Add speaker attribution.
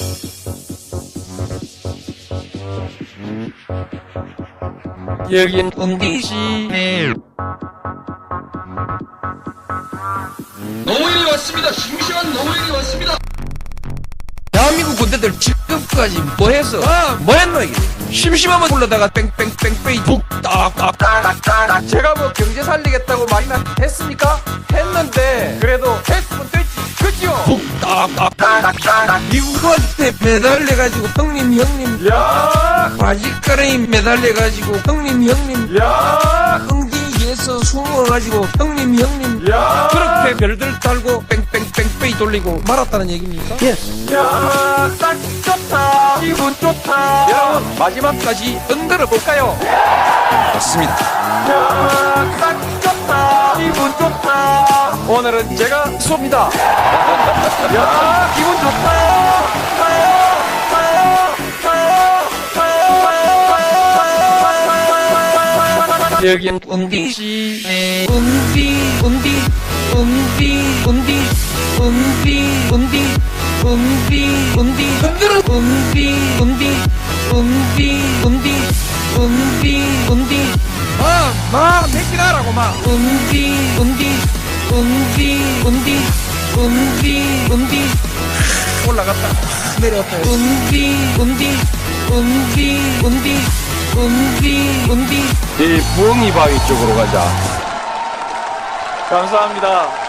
Speaker 1: 여긴 운디시.
Speaker 2: 노인이 왔습니다. 심심한 노인이 왔습니다.
Speaker 1: 대한민국 군대들 지금까지 뭐 했어? 뭐 했노 이게? 심심하면 불러다가 뺑뺑뺑뺑 북딱딱딱딱. 제가 뭐 경제 살리겠다고 말이나 했습니까? 했는데 그래도 했으면 됐지, 그지요? 북딱딱딱딱. 미국한테 매달려가지고 형님 야 바지가랑이 매달려가지고 형님 야 흥진이에서 숨어가지고 형님 야 그렇게 별들 달고 뺑뺑뺑뺑 돌리고 말았다는 얘기입니까? 예스. 야, 딱 좋다. 기분 좋다. 여러분, 마지막까지 흔들어 볼까요? 맞습니다. 야, 딱 좋다. 기분 좋다. 오늘은 제가 쏩니다. 야, 기분 좋다. 여긴 운디시. 운디. 흔들어. 운디. 막 새끼나라고 막. 운디. 올라갔다. 내려왔다. 운디.
Speaker 3: 이 부엉이 바위 쪽으로 가자.
Speaker 1: 감사합니다.